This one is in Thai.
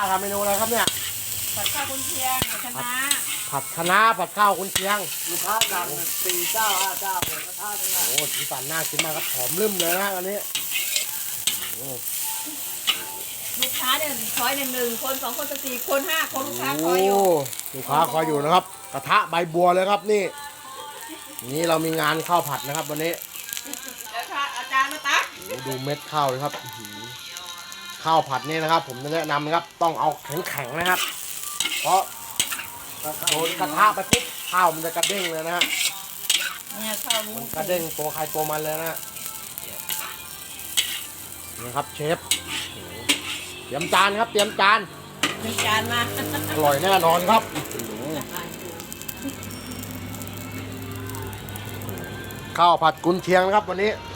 ทำเมนูอะไรครับเนี่ยผัดข้าวกุนเชียงคณะผัดคะน้าผัดข้าวกุนเชียงลูกค้าสั่ง4 เจ้า 5 เจ้าหมูกระทะทั้งนั้นโอ้สีสันน่ากินมากครับหอมลืมเลยนะอันนี้โอ้ลูกค้าเนี่ยคอยหนึ่งคน2 คน4 คน5 คนลูกค้าคอยอยู่ลูกค้าคอยอยู่นะครับ กระทะใบบัวเลยครับนี่นี่เรามีงานข้าวผัดนะครับวันนี้เดี๋ยวค่ะอาจารย์มาตักโอ้ดูเม็ดข้าวเลยครับอื้อหือข้าวผัดนี่นะครับ ผมจะแนะนำนะครับต้องเอาแข็งๆนะครับ เพราะโดนกระทะไปปุ๊บข้าวมันจะกระเด้งเลยนะฮะเนี่ยข้าวหมูมันกระเด้งตัวใครตัวมันเลยนะฮะนี่ครับเชฟโอ้โหเตรียมจานครับเตรียมจานมีจานมาอร่อยแน่นอนครับข้าวผัดกุนเชียงนะครับวันนี้